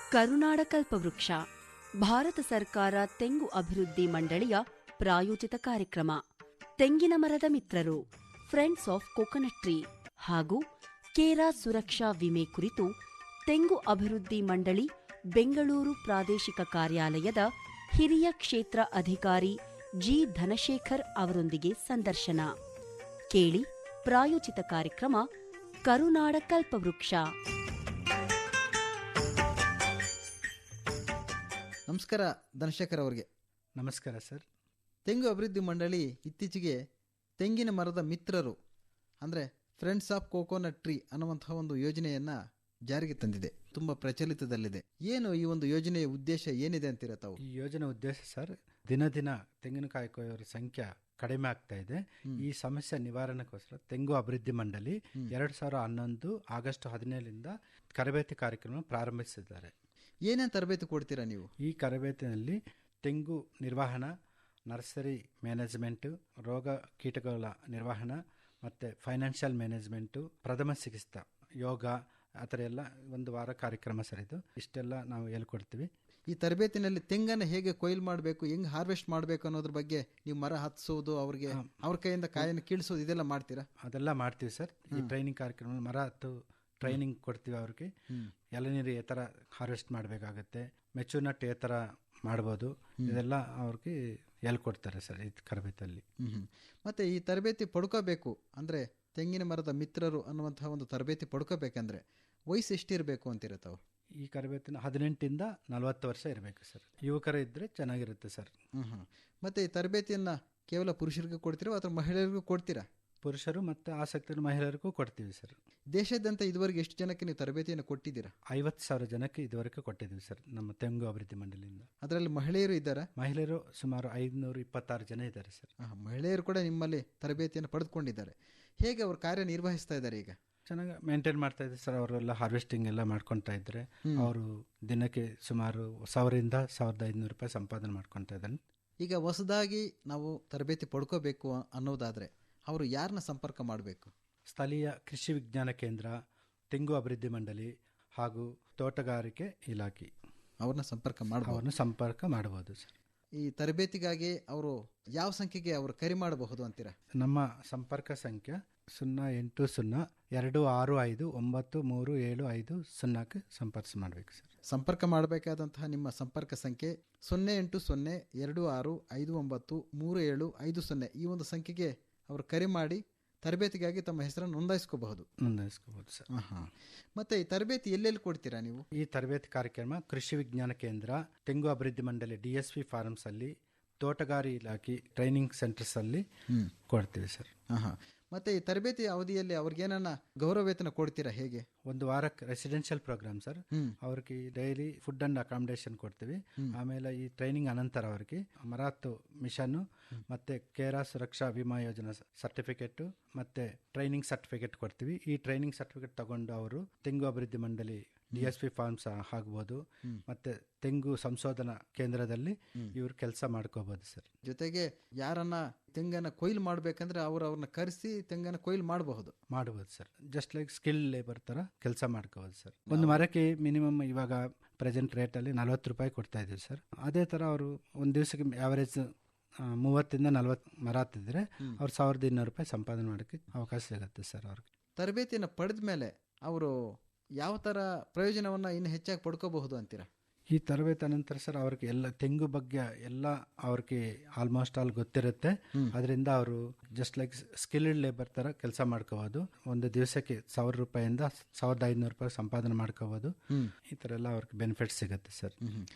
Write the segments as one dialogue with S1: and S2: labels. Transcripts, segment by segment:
S1: ಕರುನಾಡ ಕಲ್ಪವೃಕ್ಷ ಭಾರತ ಸರ್ಕಾರ ತೆಂಗು ಅಭಿವೃದ್ಧಿ ಮಂಡಳಿಯ ಪ್ರಾಯೋಜಿತ ಕಾರ್ಯಕ್ರಮ. ತೆಂಗಿನ ಮರದ ಮಿತ್ರರು ಫ್ರೆಂಡ್ಸ್ ಆಫ್ ಕೋಕೋನಟ್ ಟ್ರೀ ಹಾಗೂ ಕೇರಾ ಸುರಕ್ಷಾ ವಿಮೆ ಕುರಿತು ತೆಂಗು ಅಭಿವೃದ್ಧಿ ಮಂಡಳಿ ಬೆಂಗಳೂರು ಪ್ರಾದೇಶಿಕ ಕಾರ್ಯಾಲಯದ ಹಿರಿಯ ಕ್ಷೇತ್ರ ಅಧಿಕಾರಿ ಜಿ ಧನಶೇಖರ್ ಅವರೊಂದಿಗೆ ಸಂದರ್ಶನ ಕೇಳಿ. ಪ್ರಾಯೋಜಿತ ಕಾರ್ಯಕ್ರಮ ಕರುನಾಡ ಕಲ್ಪವೃಕ್ಷ.
S2: ನಮಸ್ಕಾರ ಧನಶೇಖರ್ ಅವರಿಗೆ.
S3: ನಮಸ್ಕಾರ ಸರ್.
S2: ತೆಂಗು ಅಭಿವೃದ್ಧಿ ಮಂಡಳಿ ಇತ್ತೀಚೆಗೆ ತೆಂಗಿನ ಮರದ ಮಿತ್ರರು ಅಂದರೆ ಫ್ರೆಂಡ್ಸ್ ಆಫ್ ಕೋಕೋನಟ್ ಟ್ರೀ ಅನ್ನುವಂತಹ ಒಂದು ಯೋಜನೆಯನ್ನು ಜಾರಿಗೆ ತಂದಿದೆ. ತುಂಬ ಪ್ರಚಲಿತದಲ್ಲಿದೆ. ಏನು ಈ ಒಂದು ಯೋಜನೆಯ ಉದ್ದೇಶ ಏನಿದೆ ಅಂತೀರ ತಾವು?
S3: ಈ ಯೋಜನೆ ಉದ್ದೇಶ ಸರ್, ದಿನ ದಿನ ತೆಂಗಿನಕಾಯಿ ಕೊಯ್ಯೋರ ಸಂಖ್ಯೆ ಕಡಿಮೆ ಆಗ್ತಾ ಇದೆ. ಈ ಸಮಸ್ಯೆ ನಿವಾರಣೆಗೋಸ್ಕರ ತೆಂಗು ಅಭಿವೃದ್ಧಿ ಮಂಡಳಿ 2011 ಆಗಸ್ಟ್ 17ರಿಂದ ತರಬೇತಿ ಕಾರ್ಯಕ್ರಮ ಪ್ರಾರಂಭಿಸಿದ್ದಾರೆ.
S2: ಏನೇನು ತರಬೇತಿ ಕೊಡ್ತೀರಾ ನೀವು?
S3: ಈ ತರಬೇತಿನಲ್ಲಿ ತೆಂಗು ನಿರ್ವಹಣಾ, ನರ್ಸರಿ ಮ್ಯಾನೇಜ್ಮೆಂಟು, ರೋಗ ಕೀಟಗಳ ನಿರ್ವಹಣಾ ಮತ್ತು ಫೈನಾನ್ಷಿಯಲ್ ಮ್ಯಾನೇಜ್ಮೆಂಟು, ಪ್ರಥಮ ಚಿಕಿತ್ಸಾ, ಯೋಗ, ಆ ಥರ ಎಲ್ಲ ಒಂದು ವಾರ ಕಾರ್ಯಕ್ರಮ ಸರ್. ಇದು ಇಷ್ಟೆಲ್ಲ ನಾವು ಹೇಳ್ಕೊಡ್ತೀವಿ.
S2: ಈ ತರಬೇತಿನಲ್ಲಿ ತೆಂಗನ್ನು ಹೇಗೆ ಕೊಯ್ಲು ಮಾಡಬೇಕು, ಹೆಂಗೆ ಹಾರ್ವೆಸ್ಟ್ ಮಾಡಬೇಕು ಅನ್ನೋದ್ರ ಬಗ್ಗೆ ನೀವು ಮರ ಹತ್ತಿಸೋದು, ಅವ್ರಿಗೆ ಅವ್ರ ಕೈಯಿಂದ ಕಾಯನ್ನು ಕೀಳಿಸೋದು, ಇದೆಲ್ಲ ಮಾಡ್ತೀರಾ?
S3: ಅದೆಲ್ಲ ಮಾಡ್ತೀವಿ ಸರ್. ಈ ಟ್ರೈನಿಂಗ್ ಕಾರ್ಯಕ್ರಮ ಮರ ಹತ್ತು ಟ್ರೈನಿಂಗ್ ಕೊಡ್ತೀವಿ ಅವ್ರಿಗೆ. ಎಳನೀರು ಯಾವ ಥರ ಹಾರ್ವೆಸ್ಟ್ ಮಾಡಬೇಕಾಗತ್ತೆ, ಮೆಚೂರ್ನಟ್ ಯಾವ ಥರ ಮಾಡ್ಬೋದು, ಇದೆಲ್ಲ ಅವ್ರಿಗೆ ಹೇಳ್ಕೊಡ್ತಾರೆ ಸರ್ ಈ ತರಬೇತಿಯಲ್ಲಿ.
S2: ಮತ್ತು ಈ ತರಬೇತಿ ಪಡ್ಕೋಬೇಕು ಅಂದರೆ ತೆಂಗಿನ ಮರದ ಮಿತ್ರರು ಅನ್ನುವಂತಹ ಒಂದು ತರಬೇತಿ ಪಡ್ಕೋಬೇಕಂದ್ರೆ ವಯಸ್ಸು ಎಷ್ಟಿರಬೇಕು ಅಂತೀರ ತಾವು?
S3: ಈ ತರಬೇತಿನ 18ಇಂದ 40 ವರ್ಷ ಇರಬೇಕು ಸರ್. ಯುವಕರ ಇದ್ದರೆ ಚೆನ್ನಾಗಿರುತ್ತೆ ಸರ್.
S2: ಮತ್ತು ಈ ತರಬೇತಿಯನ್ನು ಕೇವಲ ಪುರುಷರಿಗೆ ಕೊಡ್ತೀರಾ ಅಥವಾ ಮಹಿಳೆಯರಿಗೂ ಕೊಡ್ತೀರಾ?
S3: ಪುರುಷರು ಮತ್ತು ಆಸಕ್ತಿ ಮಹಿಳೆಯರಿಗೂ ಕೊಡ್ತೀವಿ ಸರ್.
S2: ದೇಶಾದ್ಯಂತ ಇದುವರೆಗೆ ಎಷ್ಟು ಜನಕ್ಕೆ ನೀವು ತರಬೇತಿಯನ್ನು ಕೊಟ್ಟಿದ್ದೀರಾ?
S3: 50,000 ಜನಕ್ಕೆ ಇದುವರೆಗೆ ಕೊಟ್ಟಿದ್ದೀವಿ ಸರ್ ನಮ್ಮ ತೆಂಗು ಅಭಿವೃದ್ಧಿ ಮಂಡಳಿಯಿಂದ.
S2: ಅದರಲ್ಲಿ ಮಹಿಳೆಯರು ಇದ್ದಾರಾ?
S3: ಮಹಿಳೆಯರು ಸುಮಾರು 526 ಜನ ಇದ್ದಾರೆ ಸರ್.
S2: ಮಹಿಳೆಯರು ಕೂಡ ನಿಮ್ಮಲ್ಲಿ ತರಬೇತಿಯನ್ನು ಪಡೆದುಕೊಂಡಿದ್ದಾರೆ. ಹೇಗೆ ಅವರು ಕಾರ್ಯನಿರ್ವಹಿಸ್ತಾ ಇದ್ದಾರೆ? ಈಗ
S3: ಚೆನ್ನಾಗಿ ಮೇಂಟೈನ್ ಮಾಡ್ತಾ ಇದ್ದಾರೆ ಸರ್. ಅವರೆಲ್ಲ ಹಾರ್ವೆಸ್ಟಿಂಗ್ ಎಲ್ಲ ಮಾಡ್ಕೊತಾ ಇದ್ದಾರೆ. ಅವರು ದಿನಕ್ಕೆ ಸುಮಾರು 1000ರಿಂದ 1500 ರೂಪಾಯಿ ಸಂಪಾದನೆ ಮಾಡ್ಕೊತಾ ಇದ್ದಾರೆ.
S2: ಈಗ ಹೊಸದಾಗಿ ನಾವು ತರಬೇತಿ ಪಡ್ಕೋಬೇಕು ಅನ್ನೋದಾದರೆ ಅವರು ಯಾರನ್ನ ಸಂಪರ್ಕ ಮಾಡಬೇಕು?
S3: ಸ್ಥಳೀಯ ಕೃಷಿ ವಿಜ್ಞಾನ ಕೇಂದ್ರ, ತೆಂಗು ಅಭಿವೃದ್ಧಿ ಮಂಡಳಿ ಹಾಗೂ ತೋಟಗಾರಿಕೆ ಇಲಾಖೆ
S2: ಅವ್ರನ್ನ ಸಂಪರ್ಕ ಮಾಡಬಹುದು
S3: ಸರ್.
S2: ಈ ತರಬೇತಿಗಾಗಿ ಅವರು ಯಾವ ಸಂಖ್ಯೆಗೆ ಅವರು ಕರೆ ಮಾಡಬಹುದು ಅಂತೀರಾ?
S3: ನಮ್ಮ ಸಂಪರ್ಕ ಸಂಖ್ಯೆ 08026593750ಕ್ಕೆ ಸಂಪರ್ಕ ಮಾಡಬೇಕು ಸರ್.
S2: ಸಂಪರ್ಕ ಮಾಡಬೇಕಾದಂತಹ ನಿಮ್ಮ ಸಂಪರ್ಕ ಸಂಖ್ಯೆ 08026593750. ಈ ಒಂದು ಸಂಖ್ಯೆಗೆ ಅವರು ಕರೆ ಮಾಡಿ ತರಬೇತಿಗಾಗಿ ತಮ್ಮ ಹೆಸರನ್ನು ನೋಂದಾಯಿಸ್ಕೋಬಹುದು
S3: ಸರ್.
S2: ಮತ್ತೆ ಈ ತರಬೇತಿ ಎಲ್ಲೆಲ್ಲಿ ಕೊಡ್ತೀರಾ ನೀವು?
S3: ಈ ತರಬೇತಿ ಕಾರ್ಯಕ್ರಮ ಕೃಷಿ ವಿಜ್ಞಾನ ಕೇಂದ್ರ, ತೆಂಗು ಅಭಿವೃದ್ಧಿ ಮಂಡಳಿ DSP ಫಾರ್ಮ್ಸ್ ಅಲ್ಲಿ, ತೋಟಗಾರಿ ಇಲಾಖೆ ಟ್ರೈನಿಂಗ್ ಸೆಂಟರ್ಸ್ ಅಲ್ಲಿ ಕೊಡ್ತೀವಿ ಸರ್.
S2: ಮತ್ತೆ ಈ ತರಬೇತಿ ಅವಧಿಯಲ್ಲಿ ಅವ್ರಿಗೇನ ಗೌರವ ವೇತನ ಕೊಡ್ತೀರಾ? ಹೇಗೆ?
S3: ಒಂದು ವಾರಕ್ಕೆ ರೆಸಿಡೆನ್ಷಿಯಲ್ ಪ್ರೋಗ್ರಾಮ್ ಸರ್. ಅವ್ರಿಗೆ ಡೈಲಿ ಫುಡ್ ಅಂಡ್ ಅಕಾಮಿಡೇಷನ್ ಕೊಡ್ತೀವಿ. ಆಮೇಲೆ ಈ ಟ್ರೈನಿಂಗ್ ಅನಂತರ ಅವ್ರಿಗೆ ಮರಾತು ಮಿಷನ್ ಮತ್ತೆ ಕೇರಾ ಸುರಕ್ಷಾ ವಿಮಾ ಯೋಜನಾ ಸರ್ಟಿಫಿಕೇಟ್ ಮತ್ತೆ ಟ್ರೈನಿಂಗ್ ಸರ್ಟಿಫಿಕೇಟ್ ಕೊಡ್ತೀವಿ. ಈ ಟ್ರೈನಿಂಗ್ ಸರ್ಟಿಫಿಕೇಟ್ ತಗೊಂಡು ಅವರು ತೆಂಗು ಅಭಿವೃದ್ಧಿ ಮಂಡಳಿ DSP ಫಾರ್ಮ್ಸ್ ಆಗ್ಬೋದು ಮತ್ತೆ ತೆಂಗು ಸಂಶೋಧನಾ ಕೇಂದ್ರದಲ್ಲಿ ಇವ್ರು ಕೆಲಸ ಮಾಡ್ಕೋಬಹುದು ಸರ್.
S2: ಜೊತೆಗೆ ಯಾರನ್ನ ತೆಂಗನ್ನ ಕೊಯ್ಲು ಮಾಡ್ಬೇಕಂದ್ರೆ ಅವ್ರನ್ನ ಕರೆಸಿ ತೆಂಗನ್ನ ಕೊಯ್ಲು ಮಾಡಬಹುದು
S3: sir. Just like skill labour ತರ ಕೆಲಸ ಮಾಡ್ಕೋಬಹುದು ಸರ್. ಒಂದು ಮರಕ್ಕೆ ಮಿನಿಮಮ್ ಇವಾಗ ಪ್ರೆಸೆಂಟ್ ರೇಟ್ ಅಲ್ಲಿ 40 ರೂಪಾಯಿ ಕೊಡ್ತಾ ಇದೀವಿ ಸರ್. ಅದೇ ತರ ಅವರು ಒಂದ್ ದಿವಸಕ್ಕೆ ಆವರೇಜ್ 30ರಿಂದ 40 ಮರ ಹತ್ತಿದ್ರೆ ಅವ್ರು 1200 ರೂಪಾಯಿ ಸಂಪಾದನೆ ಮಾಡೋಕ್ಕೆ ಅವಕಾಶ ಸಿಗುತ್ತೆ ಸರ್. ಅವ್ರಿಗೆ
S2: ತರಬೇತಿಯನ್ನು ಪಡೆದ ಮೇಲೆ ಅವರು ಯಾವ ತರ ಪ್ರಯೋಜನವನ್ನ ಇನ್ನು ಹೆಚ್ಚಾಗಿ ಪಡ್ಕೋಬಹುದು ಅಂತೀರಾ?
S3: ಈ ತರಬೇತಿ ನಂತರ ಸರ್ ಅವ್ರಿಗೆ ಎಲ್ಲ ತೆಂಗು ಬಗ್ಗೆ ಎಲ್ಲ ಅವ್ರಿಗೆ ಆಲ್ಮೋಸ್ಟ್ ಆಲ್ ಗೊತ್ತಿರುತ್ತೆ. ಅದರಿಂದ ಅವರು ಜಸ್ಟ್ ಲೈಕ್ ಸ್ಕಿಲ್ಡ್ ಲೇಬರ್ ತರ ಕೆಲಸ ಮಾಡ್ಕೋಬಹುದು. ಒಂದು ದಿವಸಕ್ಕೆ 1000 ರೂಪಾಯಿಂದ 1500 ರೂಪಾಯಿ ಸಂಪಾದನೆ ಮಾಡ್ಕೋಬಹುದು. ಈ ತರ ಎಲ್ಲ ಅವ್ರಿಗೆ ಬೆನಿಫಿಟ್ ಸಿಗುತ್ತೆ ಸರ್.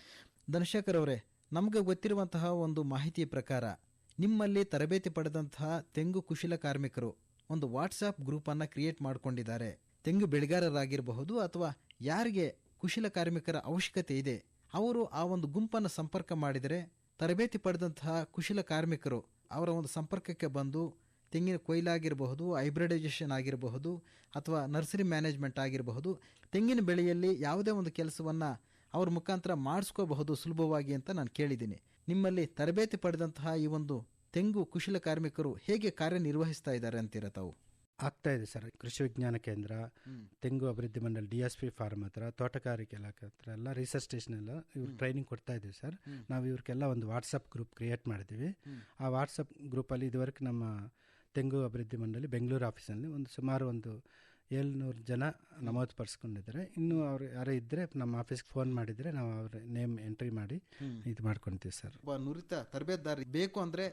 S2: ಧನಶೇಖರ್ ಅವರೇ, ನಮ್ಗೆ ಗೊತ್ತಿರುವಂತಹ ಒಂದು ಮಾಹಿತಿಯ ಪ್ರಕಾರ ನಿಮ್ಮಲ್ಲಿ ತರಬೇತಿ ಪಡೆದಂತಹ ತೆಂಗು ಕುಶಲ ಕಾರ್ಮಿಕರು ಒಂದು ವಾಟ್ಸಾಪ್ ಗ್ರೂಪ್ ಅನ್ನ ಕ್ರಿಯೇಟ್ ಮಾಡ್ಕೊಂಡಿದ್ದಾರೆ. ತೆಂಗು ಬೆಳೆಗಾರರಾಗಿರಬಹುದು ಅಥವಾ ಯಾರಿಗೆ ಕುಶಲ ಕಾರ್ಮಿಕರ ಅವಶ್ಯಕತೆ ಇದೆ ಅವರು ಆ ಒಂದು ಗುಂಪನ್ನು ಸಂಪರ್ಕ ಮಾಡಿದರೆ ತರಬೇತಿ ಪಡೆದಂತಹ ಕುಶಲ ಕಾರ್ಮಿಕರು ಅವರ ಒಂದು ಸಂಪರ್ಕಕ್ಕೆ ಬಂದು ತೆಂಗಿನ ಕೊಯ್ಲಾಗಿರಬಹುದು, ಹೈಬ್ರಿಡೈಸೇಷನ್ ಆಗಿರಬಹುದು ಅಥವಾ ನರ್ಸರಿ ಮ್ಯಾನೇಜ್ಮೆಂಟ್ ಆಗಿರಬಹುದು, ತೆಂಗಿನ ಬೆಳೆಯಲ್ಲಿ ಯಾವುದೇ ಒಂದು ಕೆಲಸವನ್ನು ಅವ್ರ ಮುಖಾಂತರ ಮಾಡಿಸ್ಕೋಬಹುದು ಸುಲಭವಾಗಿ ಅಂತ ನಾನು ಕೇಳಿದ್ದೀನಿ. ನಿಮ್ಮಲ್ಲಿ ತರಬೇತಿ ಪಡೆದಂತಹ ಈ ಒಂದು ತೆಂಗು ಕುಶಲ ಕಾರ್ಮಿಕರು ಹೇಗೆ ಕಾರ್ಯನಿರ್ವಹಿಸ್ತಾ ಇದ್ದಾರೆ ಅಂತೀರ ತಾವು?
S3: ಆಗ್ತಾ ಇದೆ ಸರ್. ಕೃಷಿ ವಿಜ್ಞಾನ ಕೇಂದ್ರ, ತೆಂಗು ಅಭಿವೃದ್ಧಿ ಮಂಡಳಿ, DSP ಫಾರ್ಮ್ ಹತ್ರ, ತೋಟಗಾರಿಕೆ ಇಲಾಖೆ ಹತ್ರ ಎಲ್ಲ ರಿಸರ್ಚ್ ಸ್ಟೇಷನ್ ಎಲ್ಲ ಇವ್ರು ಟ್ರೈನಿಂಗ್ ಕೊಡ್ತಾ ಇದ್ದೀವಿ ಸರ್. ನಾವು ಇವ್ರಿಗೆಲ್ಲ ಒಂದು ವಾಟ್ಸಪ್ ಗ್ರೂಪ್ ಕ್ರಿಯೇಟ್ ಮಾಡಿದ್ದೀವಿ. ಆ ವಾಟ್ಸಪ್ ಗ್ರೂಪಲ್ಲಿ ಇದುವರೆಗೆ ನಮ್ಮ ತೆಂಗು ಅಭಿವೃದ್ಧಿ ಮಂಡಳಿ ಬೆಂಗಳೂರು ಆಫೀಸಲ್ಲಿ ಸುಮಾರು 700 ಜನ ನಮೂದು ಪಡಿಸ್ಕೊಂಡಿದ್ದಾರೆ. ಇನ್ನೂ ಅವ್ರು ಯಾರೇ ಇದ್ದರೆ ನಮ್ಮ ಆಫೀಸ್ಗೆ ಫೋನ್ ಮಾಡಿದರೆ ನಾವು ಅವ್ರ ನೇಮ್ ಎಂಟ್ರಿ ಮಾಡಿ ಇದು ಮಾಡ್ಕೊತೀವಿ ಸರ್.
S2: ಒಬ್ಬ ನುರಿತ ತರಬೇತುದಾರ ಬೇಕು ಅಂದರೆ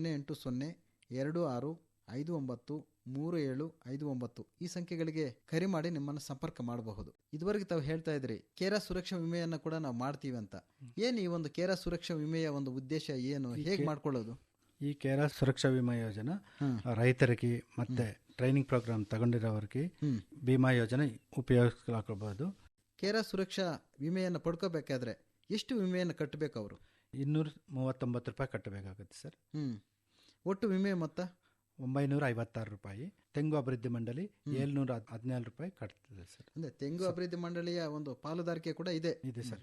S2: 08026593759 ಈ ಸಂಖ್ಯೆಗಳಿಗೆ ಕರೆ ಮಾಡಿ ನಿಮ್ಮನ್ನು ಸಂಪರ್ಕ ಮಾಡಬಹುದು. ಇದುವರೆಗೆ ತಾವು ಹೇಳ್ತಾ ಇದ್ರಿ ಕೇರಾ ಸುರಕ್ಷಾ ವಿಮೆಯನ್ನು ಕೂಡ ನಾವು ಮಾಡ್ತೀವಿ ಅಂತ. ಏನು ಈ ಒಂದು ಕೇರಾ ಸುರಕ್ಷಾ ವಿಮೆಯ ಒಂದು ಉದ್ದೇಶ ಏನು, ಹೇಗೆ ಮಾಡ್ಕೊಳ್ಳೋದು?
S3: ಈ ಕೇರಾ ಸುರಕ್ಷಾ ವಿಮಾ ಯೋಜನೆ ರೈತರಿಗೆ ಮತ್ತೆ ಟ್ರೈನಿಂಗ್ ಪ್ರೋಗ್ರಾಮ್ ತಗೊಂಡಿರೋರಿಗೆ ವಿಮಾ ಯೋಜನೆ ಉಪಯೋಗಿಸ್ಕೊಳ್ಬಹುದು.
S2: ಕೇರಾ ಸುರಕ್ಷಾ ವಿಮೆಯನ್ನು ಪಡ್ಕೋಬೇಕಾದ್ರೆ ಎಷ್ಟು ವಿಮೆಯನ್ನು ಕಟ್ಟಬೇಕು ಅವರು?
S3: 239 ರೂಪಾಯಿ ಕಟ್ಟಬೇಕಾಗುತ್ತೆ ಸರ್.
S2: ಒಟ್ಟು ವಿಮೆ ಮೊತ್ತ
S3: 956 ರೂಪಾಯಿ. ತೆಂಗು ಅಭಿವೃದ್ಧಿ ಮಂಡಳಿ 714 ರೂಪಾಯಿ ಕಟ್ತದೆ ಸರ್.
S2: ಅಂದ್ರೆ ತೆಂಗು ಅಭಿವೃದ್ಧಿ ಮಂಡಳಿಯ ಒಂದು ಪಾಲುದಾರಿಕೆ ಕೂಡ ಇದೆ
S3: ಸರ್.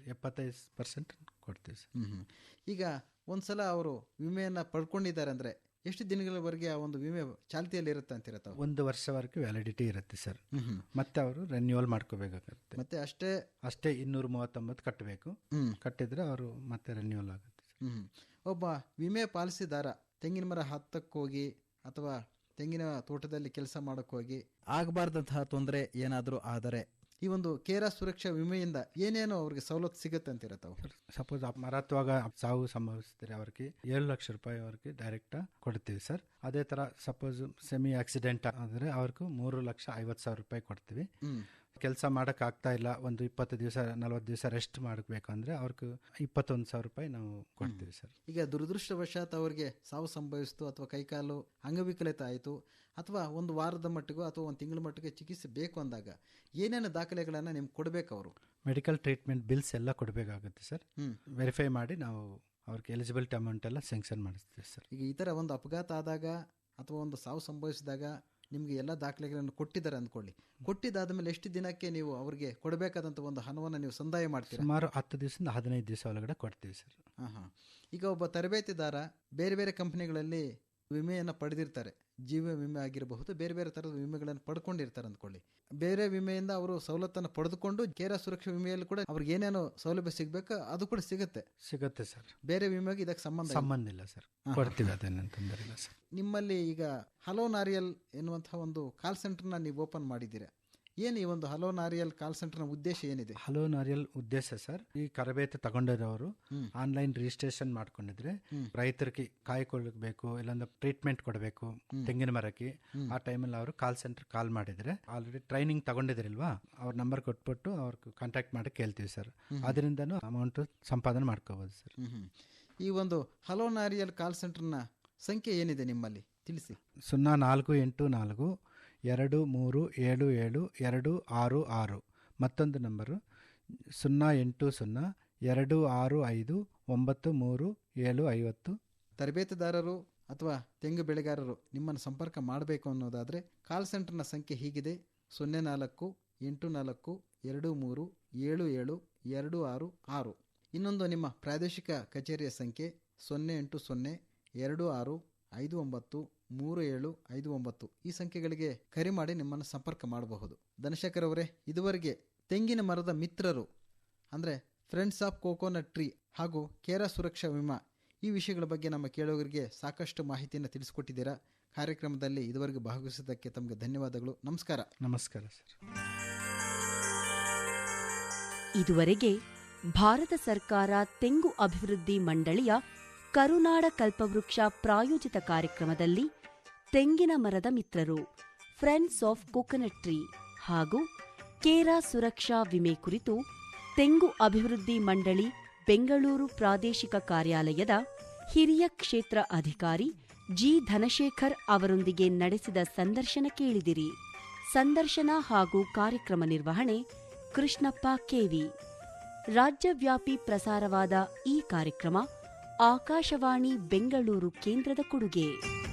S3: 75% ಕೊಡ್ತೀವಿ ಸರ್.
S2: ಈಗ ಒಂದ್ಸಲ ಅವರು ವಿಮೆಯನ್ನ ಪಡ್ಕೊಂಡಿದ್ದಾರೆ ಅಂದ್ರೆ ಎಷ್ಟು ದಿನಗಳವರೆಗೆ ಆ ಒಂದು ವಿಮೆ ಚಾಲ್ತಿಯಲ್ಲಿ ಇರುತ್ತೆ ಅಂತೀರ ತಾವು?
S3: 1 ವರ್ಷವರೆಗೆ ವ್ಯಾಲಿಡಿಟಿ ಇರುತ್ತೆ ಸರ್. ಮತ್ತೆ ಅವರು ರೆನ್ಯೂವಲ್ ಮಾಡ್ಕೋಬೇಕಾಗುತ್ತೆ.
S2: ಮತ್ತೆ
S3: ಅಷ್ಟೇ 239 ಕಟ್ಟಬೇಕು. ಕಟ್ಟಿದ್ರೆ ಅವರು ಮತ್ತೆ ರೆನ್ಯೂವಲ್ ಆಗುತ್ತೆ.
S2: ಒಬ್ಬ ವಿಮೆ ಪಾಲಿಸಿದಾರ ತೆಂಗಿನ ಮರ ಹತ್ತಕ್ಕೋಗಿ ಅಥವಾ ತೆಂಗಿನ ತೋಟದಲ್ಲಿ ಕೆಲಸ ಮಾಡೋಕ್ಕೋಗಿ ಆಗಬಾರ್ದಂತಹ ತೊಂದರೆ ಏನಾದರೂ ಆದರೆ ಈ ಒಂದು ಕೇರಾ ಸುರಕ್ಷಾ ವಿಮೆಯಿಂದ ಏನೇನು ಅವ್ರಿಗೆ ಸವಲತ್ತು ಸಿಗುತ್ತೆ ಅಂತೀರ ತಾವು?
S3: ಸಪೋಸ್ ಮರತ್ವಾಗ ಸಾವು ಸಂಭವಿಸಿದ್ರೆ ಅವ್ರಿಗೆ 7 ಲಕ್ಷ ರೂಪಾಯಿ ಅವ್ರಿಗೆ ಡೈರೆಕ್ಟ್ ಕೊಡ್ತೀವಿ ಸರ್. ಅದೇ ತರ ಸಪೋಸ್ ಸೆಮಿ ಆಕ್ಸಿಡೆಂಟ್ ಆದರೆ ಅವ್ರಿಗೂ 3,50,000 ರೂಪಾಯಿ ಕೊಡ್ತೀವಿ. ಕೆಲಸ ಮಾಡಕ್ ಆಗ್ತಾ ಇಲ್ಲ, ಒಂದು 20 ದಿವಸ 40 ದಿವಸ ರೆಸ್ಟ್ ಮಾಡಬೇಕಂದ್ರೆ ಅವ್ರಿಗೆ 21,000 ರೂಪಾಯಿ ನಾವು ಕೊಡ್ತೀವಿ ಸರ್.
S2: ಈಗ ದುರದೃಷ್ಟವಶಾತ್ ಅವ್ರಿಗೆ ಸಾವು ಸಂಭವಿಸ್ತು ಅಥವಾ ಕೈಕಾಲು ಅಂಗವಿಕಲಿತ ಆಯಿತು ಅಥವಾ ಒಂದು ವಾರದ ಮಟ್ಟಿಗೂ ಅಥವಾ ಒಂದು ತಿಂಗಳ ಮಟ್ಟಿಗೆ ಚಿಕಿತ್ಸೆ ಬೇಕು ಅಂದಾಗ ಏನೇನು ದಾಖಲೆಗಳನ್ನು ನಿಮ್ಗೆ ಕೊಡಬೇಕು? ಅವರು
S3: ಮೆಡಿಕಲ್ ಟ್ರೀಟ್ಮೆಂಟ್ ಬಿಲ್ಸ್ ಎಲ್ಲ ಕೊಡಬೇಕಾಗುತ್ತೆ ಸರ್. ವೆರಿಫೈ ಮಾಡಿ ನಾವು ಅವ್ರಿಗೆ ಎಲಿಜಿಬಿಲಿಟಿ ಅಮೌಂಟ್ ಎಲ್ಲ ಸ್ಯಾಂಕ್ಷನ್ ಮಾಡಿಸ್ತೀವಿ ಸರ್.
S2: ಈಗ ಈ ಥರ ಒಂದು ಅಪಘಾತ ಆದಾಗ ಅಥವಾ ಒಂದು ಸಾವು ಸಂಭವಿಸಿದಾಗ ನಿಮಗೆ ಎಲ್ಲ ದಾಖಲೆಗಳನ್ನು ಕೊಟ್ಟಿದ್ದಾರೆ ಅಂದ್ಕೊಳ್ಳಿ. ಕೊಟ್ಟಿದ್ದಾದ ಮೇಲೆ ಎಷ್ಟು ದಿನಕ್ಕೆ ನೀವು ಅವರಿಗೆ ಕೊಡಬೇಕಾದಂಥ ಒಂದು ಹಣವನ್ನು ನೀವು ಸಂದಾಯ ಮಾಡ್ತೀರಾ?
S3: ಸುಮಾರು 10 ದಿವಸದಿಂದ 15 ದಿವಸ ಒಳಗಡೆ ಕೊಡ್ತೀವಿ ಸರ್.
S2: ಈಗ ಒಬ್ಬ ತರಬೇತಿದಾರ ಬೇರೆ ಬೇರೆ ಕಂಪನಿಗಳಲ್ಲಿ ವಿಮೆಯನ್ನು ಪಡೆದಿರ್ತಾರೆ. ಜೀವ ವಿಮೆ ಆಗಿರಬಹುದು, ಬೇರೆ ಬೇರೆ ಥರದ ವಿಮೆಗಳನ್ನು ಪಡ್ಕೊಂಡಿರ್ತಾರೆ ಅಂದ್ಕೊಳ್ಳಿ. ಬೇರೆ ವಿಮೆಯಿಂದ ಅವರು ಸವಲತ್ತನ್ನು ಪಡೆದುಕೊಂಡು ಕೇರಾ ಸುರಕ್ಷಾ ವಿಮೆಯಲ್ಲಿ ಕೂಡ ಅವ್ರಿಗೆ ಏನೇನು ಸೌಲಭ್ಯ ಸಿಗಬೇಕು ಅದು ಕೂಡ ಸಿಗುತ್ತೆ
S3: ಸರ್.
S2: ಬೇರೆ ವಿಮೆಗೆ ಇದಕ್ಕೆ ಸಂಬಂಧ
S3: ಇಲ್ಲ ಸರ್. ಕೊಡ್ತೀವಿ, ಅದೇನು ತೊಂದರೆ ಇಲ್ಲ ಸರ್.
S2: ನಿಮ್ಮಲ್ಲಿ ಈಗ ಹಲೋ ನಾರಿಯಲ್ ಎನ್ನುವಂತಹ ಒಂದು ಕಾಲ್ ಸೆಂಟರ್ನ ನೀವು ಓಪನ್ ಮಾಡಿದ್ದೀರಾ. ಏನು ಈ ಒಂದು ಹಲೋ ನಾರಿಯಲ್ ಕಾಲ್ ಸೆಂಟರ್ನ ಉದ್ದೇಶ ಏನಿದೆ?
S3: ಹಲೋ ನಾರಿಯಲ್ ಉದ್ದೇಶ ಸರ್, ಈ ತರಬೇತಿ ತಗೊಂಡಿರೋರು ಆನ್ಲೈನ್ ರಿಜಿಸ್ಟ್ರೇಷನ್ ಮಾಡ್ಕೊಂಡಿದ್ರೆ ರೈತರಿಗೆ ಕಾಯ್ಕೊಳ್ಬೇಕು, ಇಲ್ಲಾಂದ್ರೆ ಟ್ರೀಟ್ಮೆಂಟ್ ಕೊಡಬೇಕು ತೆಂಗಿನ ಮರಕ್ಕೆ, ಆ ಟೈಮಲ್ಲಿ ಅವರು ಕಾಲ್ ಸೆಂಟರ್ ಕಾಲ್ ಮಾಡಿದ್ರೆ ಆಲ್ರೆಡಿ ಟ್ರೈನಿಂಗ್ ತಗೊಂಡಿದ್ರಿಲ್ವಾ, ಅವ್ರ ನಂಬರ್ ಕೊಟ್ಬಿಟ್ಟು ಅವ್ರಿಗೆ ಕಾಂಟ್ಯಾಕ್ಟ್ ಮಾಡಿ ಕೇಳ್ತೀವಿ ಸರ್. ಅದರಿಂದನೂ ಅಮೌಂಟ್ ಸಂಪಾದನೆ ಮಾಡ್ಕೋಬಹುದು ಸರ್.
S2: ಈ ಒಂದು ಹಲೋ ನಾರಿಯಲ್ ಕಾಲ್ ಸೆಂಟರ್ನ ಸಂಖ್ಯೆ ಏನಿದೆ ನಿಮ್ಮಲ್ಲಿ ತಿಳಿಸಿ.
S3: 048423772666. ಮತ್ತೊಂದು ನಂಬರು 08002659350.
S2: ತರಬೇತುದಾರರು ಅಥವಾ ತೆಂಗು ಬೆಳೆಗಾರರು ನಿಮ್ಮನ್ನು ಸಂಪರ್ಕ ಮಾಡಬೇಕು ಅನ್ನೋದಾದರೆ ಕಾಲ್ ಸೆಂಟರ್ನ ಸಂಖ್ಯೆ ಹೀಗಿದೆ: 048423772666. ಇನ್ನೊಂದು ನಿಮ್ಮ ಪ್ರಾದೇಶಿಕ ಕಚೇರಿಯ ಸಂಖ್ಯೆ 08026593759. ಈ ಸಂಖ್ಯೆಗಳಿಗೆ ಕರೆ ಮಾಡಿ ನಿಮ್ಮನ್ನು ಸಂಪರ್ಕ ಮಾಡಬಹುದು. ಧನಶೇಖರ್ ಅವರೇ, ಇದುವರೆಗೆ ತೆಂಗಿನ ಮರದ ಮಿತ್ರರು ಅಂದರೆ ಫ್ರೆಂಡ್ಸ್ ಆಫ್ ಕೋಕೋನಟ್ ಟ್ರೀ ಹಾಗೂ ಕೇರಾ ಸುರಕ್ಷಾ ವಿಮಾ ಈ ವಿಷಯಗಳ ಬಗ್ಗೆ ನಮ್ಮ ಕೇಳುಗರಿಗೆ ಸಾಕಷ್ಟು ಮಾಹಿತಿಯನ್ನು ತಿಳಿಸಿಕೊಟ್ಟಿದ್ದೀರಾ. ಕಾರ್ಯಕ್ರಮದಲ್ಲಿ ಇದುವರೆಗೆ ಭಾಗವಹಿಸಿದ್ದಕ್ಕೆ ತಮಗೆ ಧನ್ಯವಾದಗಳು. ನಮಸ್ಕಾರ.
S3: ನಮಸ್ಕಾರ ಸರ್.
S1: ಇದುವರೆಗೆ ಭಾರತ ಸರ್ಕಾರ ತೆಂಗು ಅಭಿವೃದ್ಧಿ ಮಂಡಳಿಯ ಕರುನಾಡ ಕಲ್ಪವೃಕ್ಷ ಪ್ರಾಯೋಜಿತ ಕಾರ್ಯಕ್ರಮದಲ್ಲಿ ತೆಂಗಿನ ಮರದ ಮಿತ್ರರು ಫ್ರೆಂಡ್ಸ್ ಆಫ್ ಕೋಕೋನಟ್ ಟ್ರೀ ಹಾಗೂ ಕೇರಾ ಸುರಕ್ಷಾ ವಿಮೆ ಕುರಿತು ತೆಂಗು ಅಭಿವೃದ್ಧಿ ಮಂಡಳಿ ಬೆಂಗಳೂರು ಪ್ರಾದೇಶಿಕ ಕಾರ್ಯಾಲಯದ ಹಿರಿಯ ಕ್ಷೇತ್ರ ಅಧಿಕಾರಿ ಜಿ ಧನಶೇಖರ್ ಅವರೊಂದಿಗೆ ನಡೆಸಿದ ಸಂದರ್ಶನ ಕೇಳಿದಿರಿ. ಸಂದರ್ಶನ ಹಾಗೂ ಕಾರ್ಯಕ್ರಮ ನಿರ್ವಹಣೆ ಕೃಷ್ಣಪ್ಪ ಕೆವಿ. ರಾಜ್ಯವ್ಯಾಪಿ ಪ್ರಸಾರವಾದ ಈ ಕಾರ್ಯಕ್ರಮ ಆಕಾಶವಾಣಿ ಬೆಂಗಳೂರು ಕೇಂದ್ರದ ಕೊಡುಗೆ.